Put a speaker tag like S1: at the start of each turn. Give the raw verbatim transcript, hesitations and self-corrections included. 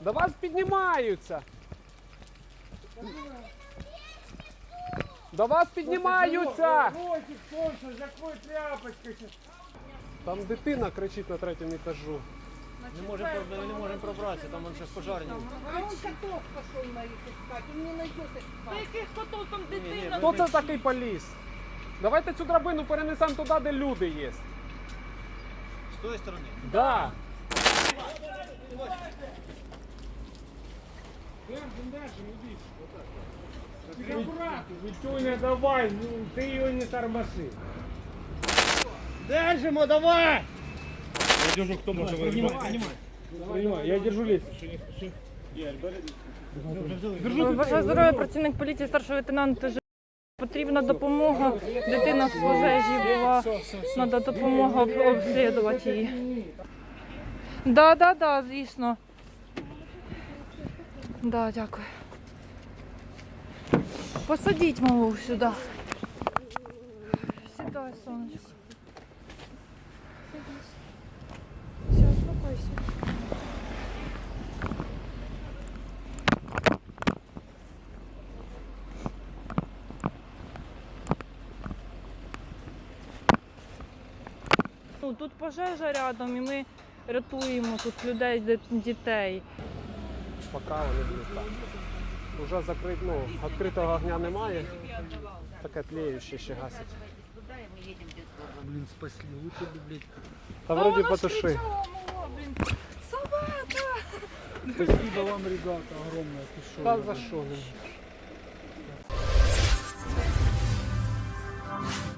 S1: До вас піднімаються. До вас піднімаються.
S2: Ротик, солнце, закрой тряпочкой.
S1: Там дитина кричить на третьому етажу.
S3: Не можем, мы не можем пробраться, там он сейчас пожарник.
S4: А он котов пошел на их искать, он не найдет их.
S5: Та яких котов там дитина?
S1: Хто це такий поліз? Давайте цю драбину перенесемо туди, де люди є.
S3: С той стороны?
S1: Да.
S2: Витюня, давай, ну, ты ее не тормоши.
S3: Держимо, давай!
S2: Я держу, кто может выиграть. Принимай, я держу лестницу.
S5: Бажаю здоров'я, працівник поліції, старший лейтенант. Ж- Потрібна допомога. Дитина в пожежі була. Треба допомога об- обслідувати її. Да, да, да, звісно. Да, дякую. Посадіть малу сюди. Сідай, сонечко. Все, успокойся. Ну, тут пожежа рядом і ми рятуємо тут людей, ди- дітей.
S1: Поки вони будуть так. Уже закрит, ну, відкритого огня немає. Таке тліюче ще гасить.
S3: Блин, спасли, лучше бы, блядь.
S1: Та вроді потуши.
S5: Собака!
S2: Спасибо вам, ребята, огромное. Ты шо,
S1: Та за що?